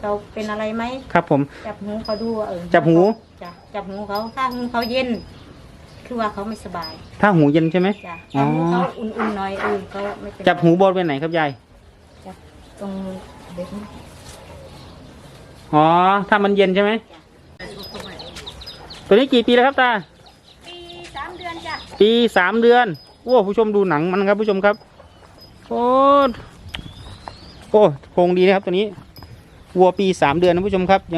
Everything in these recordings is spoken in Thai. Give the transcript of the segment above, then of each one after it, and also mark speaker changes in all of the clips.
Speaker 1: เขาเป็นอะไรไหม
Speaker 2: ครับผม
Speaker 1: จับหูเขาดู
Speaker 2: จับหู
Speaker 1: จ้ะจับหูเขาถ้าหูเขาเย็นคือว่าเขาไม่สบาย
Speaker 2: ถ้าหูเย็นใช่ไหม
Speaker 1: จ้ะจับหูเขาอุ่นๆหน่อยก็ไม่เป็น
Speaker 2: จับหูบริเวณไหนครับยาย
Speaker 1: จับตรงเด็ก
Speaker 2: อ๋อถ้ามันเย็นใช่ไหมตัวนี้กี่ปีแล้วครับตา
Speaker 1: ปี3 เดือนจ้ะ
Speaker 2: ปี3 เดือนโอ้ผู้ชมดูหนังมันครับผู้ชมครับโอ้โครงดีนะครับตัวนี้วัวปี3 เดือนนะผู้ชมครับยัง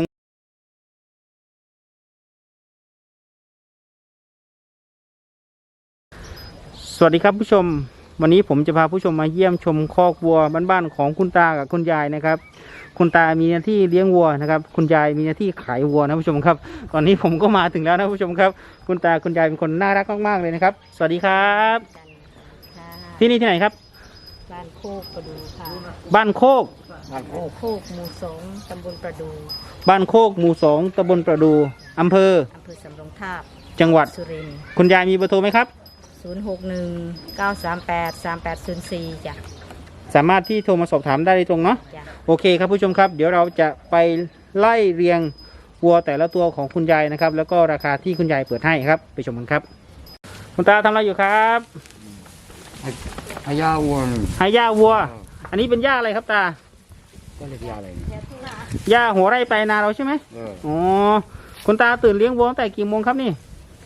Speaker 2: สวัสดีครับผู้ชมวันนี้ผมจะพาผู้ชมมาเยี่ยมชมคอกวัวบ้านๆของคุณตากับคุณยายนะครับคุณตามีหน้าที่เลี้ยงวัวนะครับคุณยายมีหน้าที่ขายวัวนะผู้ชมครับตอนนี้ผมก็มาถึงแล้วนะผู้ชมครับคุณตาคุณยายเป็นคนน่ารักมากๆเลยนะครับสวัสดีครับที่นี่ที่ไหนครับ
Speaker 1: บ้านโคกประดูค่ะ
Speaker 2: บ้านโคก
Speaker 1: หมู่2ตำบลประดู
Speaker 2: บ้านโคกหมู่2ตำบลประดูอำเภอ
Speaker 1: สำโรงทาบ
Speaker 2: จังหวัด
Speaker 1: สุรินทร์
Speaker 2: คุณยายมีเบอร์โทรไหมครับ
Speaker 1: 061-938-3804จ้ะ
Speaker 2: สามารถที่โทรมาสอบถามได้ตรงเนาะโอเคครับผู้ชมครับเดี๋ยวเราจะไปไล่เรียงวัวแต่ละตัวของคุณยายนะครับแล้วก็ราคาที่คุณยายเปิดให้ครับไปชมกันครับคุณตาทำอะไรอยู่ครับ
Speaker 3: ให้ย่าวัว
Speaker 2: ให้ย่าวัวอันนี้เป็นย่าอะไรครับตา
Speaker 3: ก็เรียกย่าอะไร
Speaker 2: ย่าหัวไร่ไปนาเราใช่ไหมอ๋อคุณตาตื่นเลี้ยงวัวตั้งแต่กี่โมงครับนี่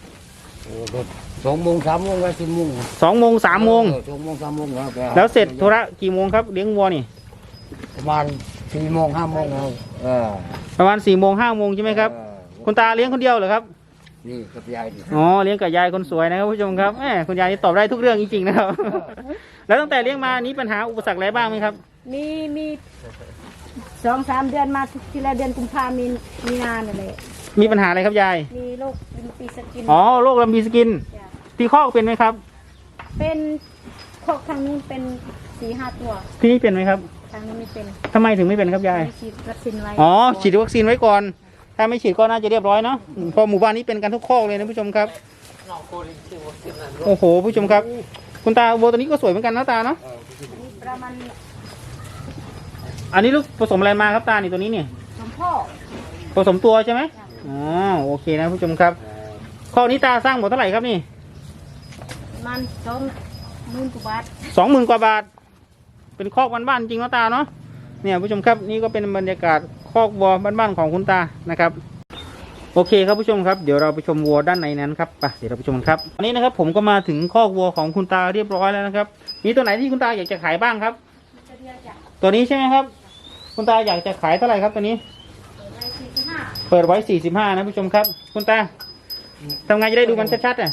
Speaker 3: 2 โมง 3 โมงแล้ว10 โมง
Speaker 2: 2 โมง 3 โมง
Speaker 3: 2 โมง 3 โมง
Speaker 2: แล้วเสร็จธุระกี่โมงครับเลี้ยงวัวนี่
Speaker 3: ประมาณ4 โมง 5 โมงแล้ว
Speaker 2: ประมาณ4 โมง 5 โมงใช่ไหมครับคุณตาเลี้ยงคนเดียวเหรอครับ
Speaker 3: นี่กับยาย
Speaker 2: อ๋อเลี้ยงกับยายคนสวยนะครับผู้ชมครับแหมคุณยายนี่ตอบได้ทุกเรื่องจริงๆนะครับแล้วตั้งแต่เลี้ยงมานี้ปัญหาอุปสรรคอะไรบ้างไหมครับ
Speaker 1: มี2-3 เดือนมาทีละเดือนกุมภามีงานอะไร
Speaker 2: มีปัญหาอะไรครับยาย
Speaker 1: มีโรคลำปีสกิน
Speaker 2: อ๋อโรคลำปีสกินที่คอกเป็นไหมครับ
Speaker 1: เป็นคอกทางนู้นเป็น4-5 ตัว
Speaker 2: ที่นี่เป็นไหมครับ
Speaker 1: ทางนี้ไม่เป็น
Speaker 2: ทำไมถึงไม่เป็นครับยาย
Speaker 1: ฉีดวัคซีนไว้
Speaker 2: อ๋อฉีดวัคซีนไว้ก่อนถ้าไม่ฉีดก็น่าจะเรียบร้อยเนาะพอหมู่บ้านนี้เป็นกันทุกคอกเลยนะผู้ชมครับโอ้โหผู้ชมครับคุณตาวัวตัวนี้ก็สวยเหมือนกันนะตาเนาะ
Speaker 1: ประมาณ
Speaker 2: อันนี้ลูกผสมอะไรมาครับตานี่ตัวนี้เนี่ย
Speaker 1: สมพ่อ
Speaker 2: ผสมตัวใช่ไหมอ๋อโอเคนะผู้ชมครับข้อนี้ตาสร้างหมดเท่าไหร่ครับนี่
Speaker 1: มัน20,000 กว่าบาท
Speaker 2: 20,000 กว่าบาทเป็นคอกบ้านๆจริงนะตาเนาะเนี่ยผู้ชมครับนี่ก็เป็นบรรยากาศคอกวัวบ้านๆของคุณตานะครับโอเคครับผู้ชมครับเดี๋ยวเราไปชมวัวด้านในนั้นครับไปเดี๋ยวเราไปชมกันครับอันนี้นะครับผมก็มาถึงคอกวัวของคุณตาเรียบร้อยแล้วนะครับมีตัวไหนที่คุณตาอยากจะขายบ้างครับตัวนี้ใช่ไหมครับคุณตาอยากจะขายเท่าไหร่ครับตัวนี้เปิดไว้45นะผู้ชมครับคุณตาทำไงจะได้ดูมันชัดๆ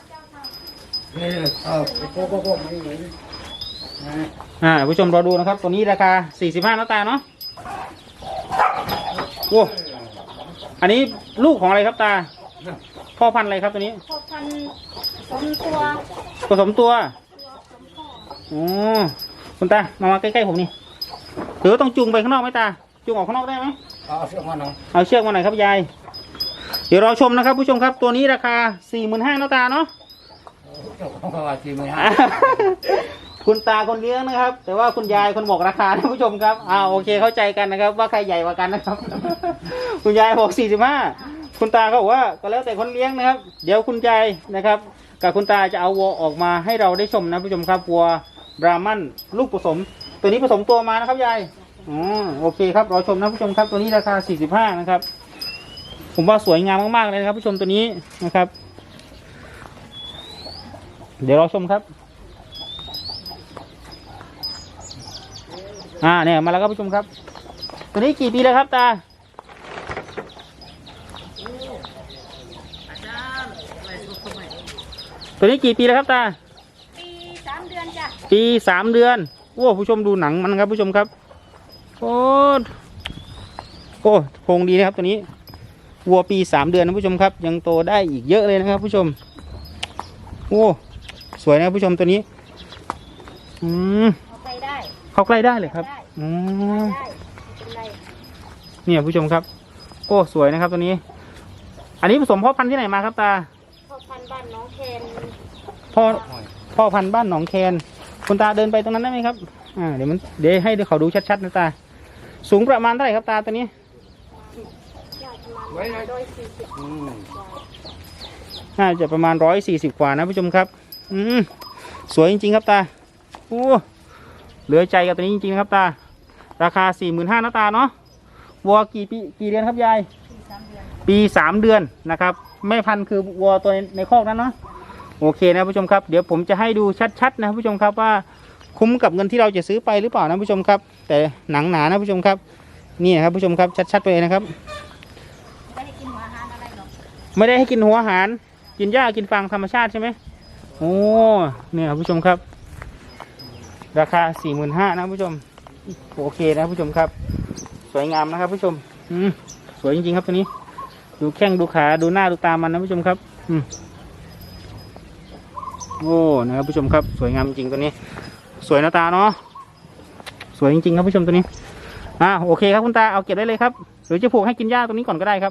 Speaker 2: ผู้ชมรอดูนะครับตัวนี้ราคา45นะตาเนาะโอ้อันนี้ลูกของอะไรครับตาพ่อพันธุ์อะไรครับตัวนี้
Speaker 1: พ่อพันธุ์ผ
Speaker 2: สมตัวอ๋อคุณตามาใกล้ๆผมนี่หรือต้องจูงไปข้างนอกไหมตาจูงออกข้างนอกได้ไหม
Speaker 3: เอาเชือกมาหน่อย
Speaker 2: ครับยายเดี๋ยวรอชมนะครับผู้ชมครับตัวนี้ราคา45,000นะตาเนาะคุณตาคนเลี้ยงนะครับแต่ว่าคุณยายคนบอกราคานะผู้ชมครับโอเคเข้าใจกันนะครับว่าใครใหญ่กว่ากันนะครับ คุณยายบอก45คุณตาเขาบอกว่าก็แล้วแต่คนเลี้ยงนะครับเดี๋ยวคุณยายนะครับกับคุณตาจะเอาวัวออกมาให้เราได้ชมนะผู้ชมครับวัวบราหมันลูกผสมตัวนี้ผสมตัวมานะครับยายโอเคครับรอชมนะผู้ชมครับตัวนี้ราคา45นะครับผมว่าสวยงามมากๆเลยนะครับผู้ชมตัวนี้นะครับเดี๋ยวรอชมครับเนี่ยมาแล้วครับผู้ชมครับตัวนี้กี่ปีแล้วครับตาตัวนี้กี่ปีแล้วครับตา
Speaker 1: ปี3 เดือนจ้ะ
Speaker 2: ปี3 เดือนโอ้ผู้ชมดูหนังมันครับผู้ชมครับโอ้โครงดีนะครับตัวนี้วัวปี3 เดือนนะผู้ชมครับยังโตได้อีกเยอะเลยนะครับผู้ชมโอ้สวยนะผู้ชมตัวนี้เข้าใกล้ได้เลยครับเนี่ยผู้ชมครับโอ้สวยนะครับตัวนี้อันนี้ผสมพ่อพันธุ์ที่ไหนมาครับตา
Speaker 1: พ่อพันธุ์บ้านหนองแคน
Speaker 2: พ่อพันธุ์บ้านหนองแคนคุณตาเดินไปตรงนั้นได้ไหมครับเดี๋ยวให้เขาดูชัดๆนะตาสูงประมาณเท่าไหร่ครับตาตัวนี้
Speaker 3: ไว้เลย
Speaker 2: น่าจะประมาณ140กว่านะผู้ชมครับสวยจริงๆครับตาโอ้เหลือใจกับตัวนี้จริงๆนะครับตาราคา 45,000นะตาเนาะวัวกี่เดือนครับยายปี 3 เดือนนะครับแม่พันธุ์คือวัวตัวในคอกนั้นเนาะโอเคนะผู้ชมครับเดี๋ยวผมจะให้ดูชัดๆนะผู้ชมครับว่าคุ้มกับเงินที่เราจะซื้อไปหรือเปล่านะผู้ชมครับแต่หนังหนานะผู้ชมครับนี่นะครับผู้ชมครับชัดๆไปเลยนะครับไม่ได้ให้กินหัวอาหารอะไรหรอกไม่ได้ให้กินหัวอาหารกินหญ้ากินฟางธรรมชาติใช่ไหมโอ้เนี่ยครับผู้ชมครับราคา 45,000นะผู้ชมโอเคนะผู้ชมครับสวยงามนะครับผู้ชมสวยจริงๆครับตัวนี้ดูแข้งดูขาดูหน้าดูตามันนะผู้ชมครับโอ้นะครับผู้ชมครับสวยงามจริงตัวนี้สวยนะตาเนาะสวยจริงๆครับผู้ชมตัวนี้โอเคครับคุณตาเอาเก็บได้เลยครับหรือจะผูกให้กินหญ้าตรงนี้ก่อนก็ได้ครับ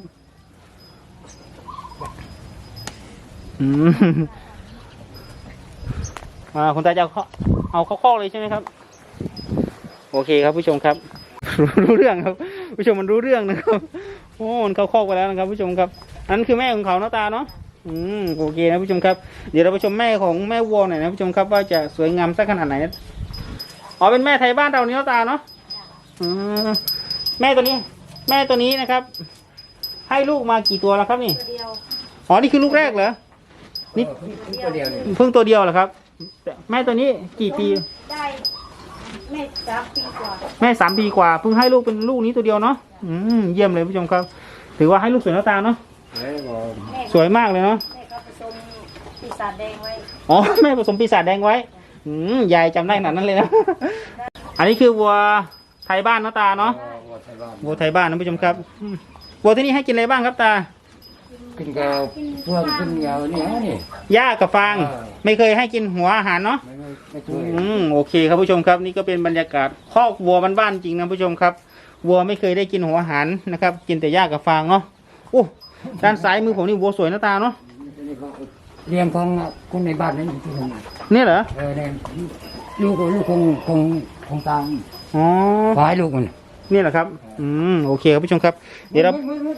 Speaker 2: คุณตาจะเอาเข้าคอกเลยใช่ไหมครับโอเคครับผู้ชมครับ รู้เรื่องครับผู้ชมมันรู้เรื่องนะครับโอ้มันเข้าคอกไปแล้วนะครับผู้ชมครับนั่นคือแม่ของเขาเนาะตาเนาะโอเคนะผู้ชมครับเดี๋ยวเราไปชมแม่ของแม่วัวหน่อยนะผู้ชมครับว่าจะสวยงามสักขนาดไหนอ๋อเป็นแม่ไทยบ้านเราเนาะตาเนาะแม่ตัวนี้นะครับให้ลูกมากี่ตัวแล้วครับนี่อ๋อนี่คือลูกแรกเหรอนี่
Speaker 3: ตัวเดียวนี่
Speaker 2: เพิ่งตัวเดียวเหรอครับแม่ตัวนี้กี่ปี
Speaker 1: ได้แม่3 ปีกว่า
Speaker 2: แม่3 ปีกว่าเพิ่งให้ลูกเป็นลูกนี้ตัวเดียวเนาะเยี่ยมเลยผู้ชมครับถือว่าให้ลูกสวยหน้าตาเนาะสวยมากเลยเนาะ
Speaker 1: แม่ก็ผสมปีศาจแดงไว้
Speaker 2: อ๋อแม่ผสมปีศาจแดงไว้ยายจำได้ขนาดนั้นเลยนะ อันนี้คือวัวไทยบ้านหน้าตาเนาะวัวไทยบ้านนะผู้ชมครับวัวที่นี่ให้กินอะไรบ้างครับตา
Speaker 3: กินกับพวกกินยาวนี่ฮะนี่
Speaker 2: หญ้ากับฟางไม่เคยให้กินหัวอาหารเนาะ
Speaker 3: ไม่เคย
Speaker 2: โอเคครับผู้ชมครับนี่ก็เป็นบรรยากาศคอกวัวบ้านๆจริงนะผู้ชมครับวัวไม่เคยได้กินหัวอาหารนะครับกินแต่หญ้ากับฟางเนาะโอ้ด้านซ้ายมือผมนี่วัวสวยหน้าตาเนาะ
Speaker 3: เลี้ยงของคนในบ้านนั่นที่ทำงาน
Speaker 2: นี่เหรอ
Speaker 3: เนี่ยลูกคงตาม
Speaker 2: อ๋อ
Speaker 3: ฝ่ายลูกมัน
Speaker 2: นี่แหละครับโอเคครับผู้ชมครับเดี๋ยวเรา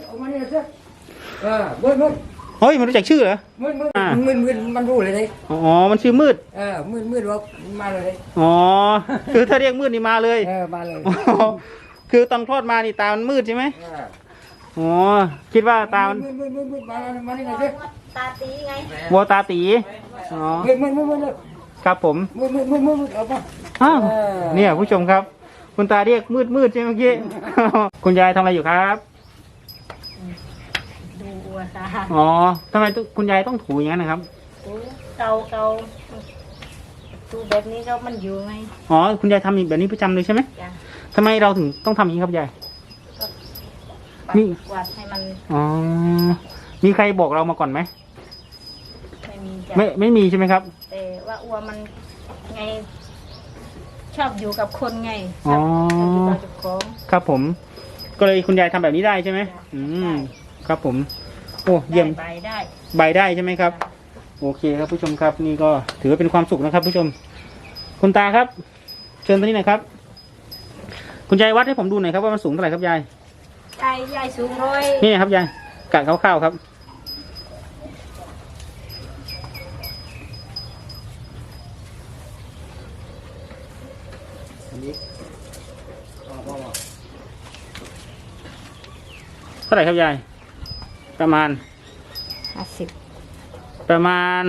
Speaker 2: เฮ้ยมันรู้จักชื่อเหรอ
Speaker 3: มืดมันรู้เลย
Speaker 2: อ๋อมันชื่อมืด
Speaker 3: มืดว่ามาเลย
Speaker 2: อ๋อคือถ้าเรียกมืดนี่มาเลย
Speaker 3: มาเลย
Speaker 2: คือตอนคลอดมานี่ตามันมืดใช่ไหมอ๋อคิดว่าตามัน
Speaker 3: มานี่ไง
Speaker 1: ตาตีไง
Speaker 2: วัวตาตีอ๋อครับผมเนี่ยผู้ชมครับคุณตาเรียกมืดใช่ไหมเมื่อกี้คุณยายทำอะไรอยู่ครับ
Speaker 1: ดูวัวตา
Speaker 2: อ๋อทำไมคุณยายต้องถูอย่างนั้นนะครับ
Speaker 1: เกาดูแบบนี้ก็มันอยู่ไง
Speaker 2: อ๋อคุณยายทำแบบนี้ประจำเลยใช่ไหมทำไมเราถึงต้องทำอย่างนี้ครับยาย
Speaker 1: มีกวาดให้มัน
Speaker 2: อ๋อมีใครบอกเรามาก่อนไหมไม่มีใช่ไหมครับ
Speaker 1: แต่ว่าวัวมันไงชอบอยู่กับคนไง
Speaker 2: อ๋อครับผมก็เลยคุณยายทำแบบนี้ได้ใช่ไหมครับผมโอ้เยี่ยมใบได้ใช่ไหมครับโอเคครับผู้ชมครับนี่ก็ถือว่าเป็นความสุขนะครับผู้ชมคุณตาครับเชิญตรงนี้หน่อยครับคุณยายวัดให้ผมดูหน่อยครับว่ามันสูงเท่าไหร่ครับยาย
Speaker 1: ยายสูง100
Speaker 2: นี่ครับยายกะคร่าวๆครับเท่าไหร่ครับยายประมาณ
Speaker 1: 50
Speaker 2: ประมาณ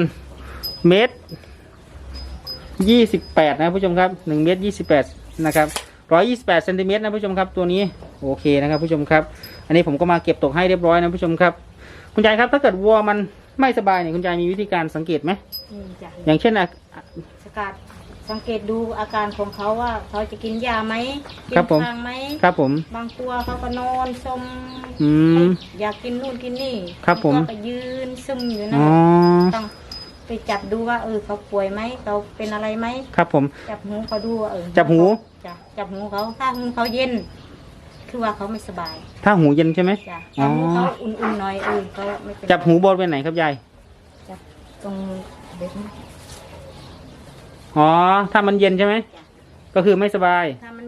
Speaker 2: 1.28 นะผู้ชมครับ1.28 นะครับ128 เซนติเมตรนะผู้ชมครับตัวนี้โอเคนะครับผู้ชมครับอันนี้ผมก็มาเก็บตกให้เรียบร้อยนะผู้ชมครับคุณยายครับถ้าเกิดวัวมันไม่สบายเนี่ยคุณยายมีวิธีการสังเกตไหมอย่างเช่น
Speaker 1: สังเกตดูอาการของเขาว่าเขาจะกินยาไหมกินฟางไหม
Speaker 2: ครับผม
Speaker 1: บางตัวเขาก็นอนซึมอยากกินนู่นกินนี่
Speaker 2: ครับผม
Speaker 1: ก็ยืนซึมอยู่นะต้องไปจับดูว่าเขาป่วยไหมเขาเป็นอะไรไหม
Speaker 2: ครับผม
Speaker 1: จับหูเขาดูว่า
Speaker 2: จับหู
Speaker 1: เขาถ้าหูเขาเย็นคือว่าเขาไม่สบาย
Speaker 2: ถ้าหูเย็นใช่ไหม
Speaker 1: ถ้าหูเขาอุ่นๆหน่อยเขาไม่เป็น
Speaker 2: จับหูบริเวณไหนครับยาย
Speaker 1: จับตรงเด็ก
Speaker 2: อ๋อถ้ามันเย็นใช่ไหมก็คือไม่สบาย
Speaker 1: ถ้ามัน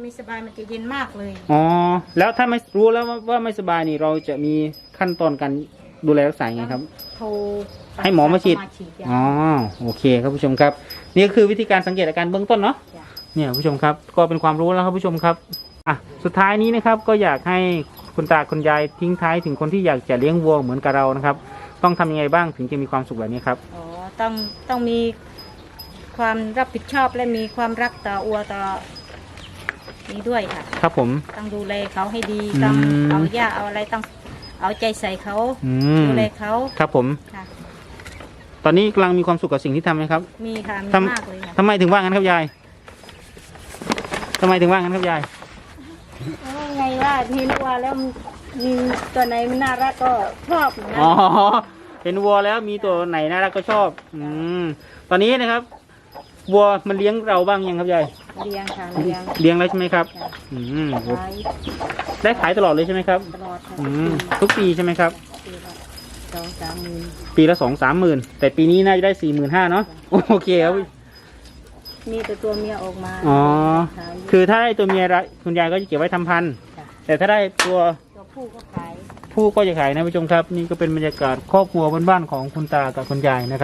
Speaker 1: ไม่สบายมันจะเย็นมากเลย
Speaker 2: อ๋อแล้วถ้าไม่รู้แล้วว่าไม่สบายนี่เราจะมีขั้นตอนการดูแลรักษายังไงครับ
Speaker 1: โทร
Speaker 2: ให้หมอมาฉีด
Speaker 1: จ้ะ
Speaker 2: อ๋อโอเคครับผู้ชมครับนี่ก็คือวิธีการสังเกตอาการเบื้องต้นเนาะ
Speaker 1: จ้ะ
Speaker 2: เนี่ยผู้ชมครับก็เป็นความรู้แล้วครับผู้ชมครับอ่ะสุดท้ายนี้นะครับก็อยากให้คุณตาคุณยายทิ้งท้ายถึงคนที่อยากจะเลี้ยงวัวเหมือนกับเรานะครับต้องทำยังไงบ้างถึงจะมีความสุขแบบนี้ครับ
Speaker 1: อ๋อต้องมีความรับผิดชอบและมีความรักต่อวัวต่อนี้ด้วยค่ะ
Speaker 2: ครับผม
Speaker 1: ต้องดูแลเขาให้ดี
Speaker 2: อืม
Speaker 1: ต้องเอาหญ้าเอาอะไรต้องเอาใจใส่เขา
Speaker 2: อืม
Speaker 1: ดูแลเขา
Speaker 2: ครับผม
Speaker 1: ค่ะ
Speaker 2: ตอนนี้กำลังมีความสุขกับสิ่งที่ทำไหมครับ
Speaker 1: มีค่ะมี
Speaker 2: ท
Speaker 1: มากเลยค่ะ
Speaker 2: ำทำไมถึงว่างั้นครับยายทำไมถึงว่างั้นครับยาย
Speaker 1: ไงว่าเห็นวัวแล้วมีตัวไหนมันน่ารักก็ชอบนะ
Speaker 2: อ๋อเห็นวัวแล้วมีตัวไหนน่ารักก็ชอบตอนนี้นะครับวัวมันเลี้ยงเราบ้างยังครับยาย
Speaker 1: เลี้ยงค่ะเลี้ยง
Speaker 2: เลี้ยงแล้วใช่ไหมครับ
Speaker 1: ค่ะ
Speaker 2: อืม
Speaker 1: ขาย
Speaker 2: ได้ขายตลอดเลยใช่ไหมครับ
Speaker 1: ตลอดค่ะ
Speaker 2: ทุกปีใช่ไหมครับ
Speaker 1: ปีละ2-3 หมื่น
Speaker 2: ปีละ2-3 หมื่นแต่ปีนี้น่าจะได้45,000เนาะโอเคครับ
Speaker 1: มีตัวเมียออกมา
Speaker 2: อ๋อ
Speaker 1: ขาย
Speaker 2: คือถ้าได้ตัวเมียคุณยายก็จะเก็บไว้ทำพันธุ์
Speaker 1: ค่ะ
Speaker 2: แต่ถ้าได้ตัว
Speaker 1: ตัวผู้ก็ขาย
Speaker 2: ผู้ก็จะขายนะผู้ชมครับ นี่ก็เป็นบรรยากาศครอบครัวบ้านๆของคุณตากับคุณยายนะครับ